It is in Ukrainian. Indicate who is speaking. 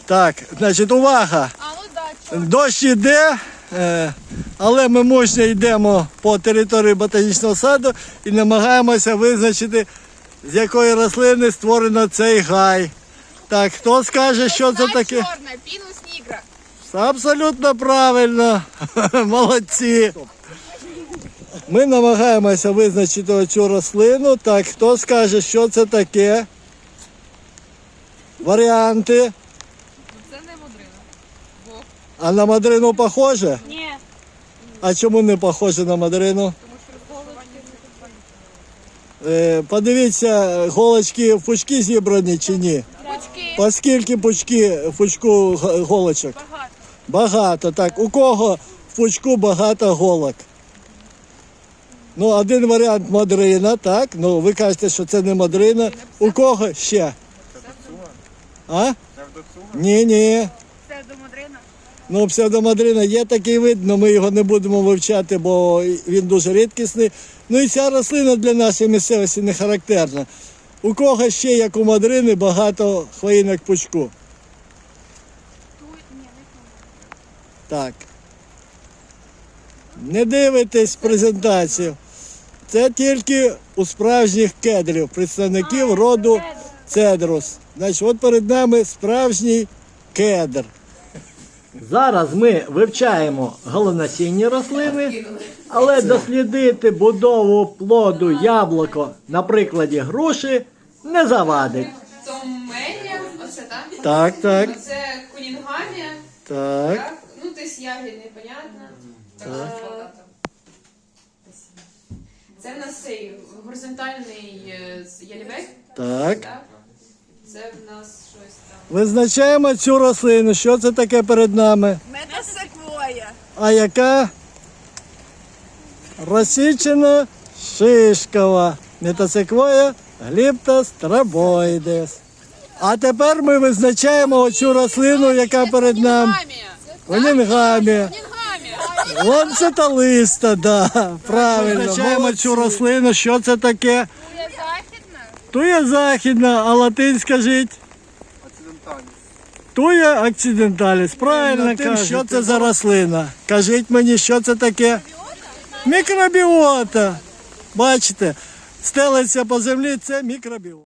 Speaker 1: Так, значить, увага.
Speaker 2: А ну да,
Speaker 1: Дощ іде, але ми мужньо йдемо по території ботанічного саду і намагаємося визначити, з якої рослини створено цей гай. Так, хто скаже, що це таке?
Speaker 2: Чорна, пінус нігра.
Speaker 1: Абсолютно правильно. Молодці. Ми намагаємося визначити цю рослину. Так, хто скаже, що це таке? Варіанти.
Speaker 2: Це не мудрина.
Speaker 1: А на мадрину похоже?
Speaker 2: Ні.
Speaker 1: А чому не похоже на мадрину? Подивіться, голочки в пучки зібрані чи ні?
Speaker 2: Пучки.
Speaker 1: По скільки в пучку голочок?
Speaker 2: Багато.
Speaker 1: Багато, так. У кого в пучку багато голок? Ну, один варіант мадрина, так? Ну, ви кажете, що це не мадрина. У кого ще? А? Ні.
Speaker 2: Псевдомудрина.
Speaker 1: Ну, псевдомадрина є такий вид, але ми його не будемо вивчати, бо він дуже рідкісний. Ну і ця рослина для нашої місцевості не характерна. У кого ще, як у мадрини, багато хвоїнок пучку? Так. Не дивитесь презентацію. Це тільки у справжніх кедрів, представників роду цедрус. Значить, от перед нами справжній кедр. Зараз ми вивчаємо голонасінні рослини, але дослідити будову плоду яблуко на прикладі груші не завадить.
Speaker 3: Томелія, оце так?
Speaker 1: Так.
Speaker 3: Це кулінгамія,
Speaker 1: Так.
Speaker 3: так? Ну, десь ягідний, понятно. Це в нас цей горизонтальний ялівець,
Speaker 1: Так.
Speaker 3: так? Це в нас щось там.
Speaker 1: Визначаємо цю рослину. Що це таке перед нами?
Speaker 2: Метасеквоя.
Speaker 1: А яка? Розсічена шишкова. Метасеквоя гліптострабоїдес. А тепер ми визначаємо оцю рослину, яка перед нами. Онінгамія. Ланцеталиста, да, правильно. Визначаємо цю рослину. Що це таке?
Speaker 2: Туя західна.
Speaker 1: Туя західна, а латинь скажіть? Туя акциденталіс. Правильно кажете. Що це за рослина? Кажіть мені, що це таке? Мікробіота. Бачите, стелиться по землі, це мікробіота.